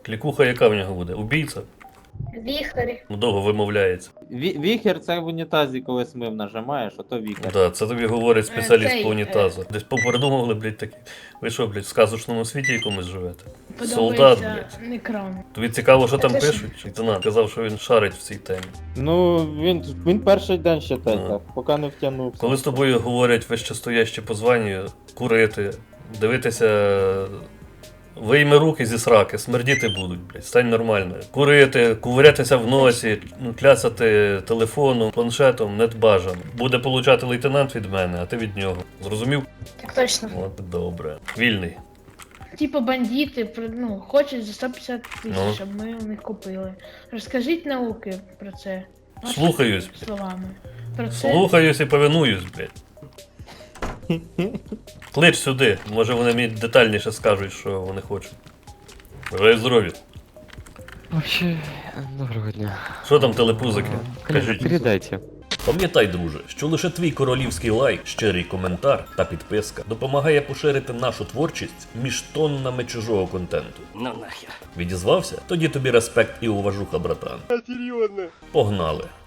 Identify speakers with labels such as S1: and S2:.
S1: Клікуха яка в нього буде? Убійця?
S2: Віхарі.
S1: Довго вимовляється.
S3: Віхер це в унітазі, коли смив нажимаєш, ото віхер.
S1: Да, це тобі говорить спеціаліст
S2: Цей,
S1: по унітазу. Десь попередумували, блядь, такі. Ви що, блядь, в сказочному світі якомусь живете? Солдат, блядь.
S2: Некрам.
S1: Тобі цікаво, що там
S2: Це ж-
S1: пишуть? Лейтенант казав, що він шарить в цій темі.
S3: Ну, він перший день ще
S1: Ну.
S3: так, поки не втягнувся.
S1: Коли з тобою говорять вищестоящі по званню, курити, дивитися, вийми руки зі сраки, смердіти будуть, блядь, стань нормально. Курити, кувирятися в носі, клясати телефоном, планшетом не бажано. Буде получати лейтенант від мене, а ти від нього. Зрозумів?
S2: Так точно.
S1: От добре. Вільний.
S2: Типу бандити, хочуть за 150 тисяч,
S1: Ну.
S2: щоб ми у них купили. Розкажіть науки про це. Вашими
S1: Слухаюсь, блядь.
S2: словами. Про це.
S1: Слухаюсь і повинуюсь, блядь. Клич сюди, може вони мені детальніше скажуть, що вони хочуть. Бажаю здоров'я.
S4: Вообще, доброго дня.
S1: Що там телепузики? Кажіть.
S4: Передайте.
S1: Пам'ятай, друже, що лише твій королівський лайк, щирий коментар та підписка допомагає поширити нашу творчість між тоннами чужого контенту.
S5: Ну нахер.
S1: Відізвався? Тоді тобі респект і уважуха, братан.
S5: Серйозно.
S1: Погнали.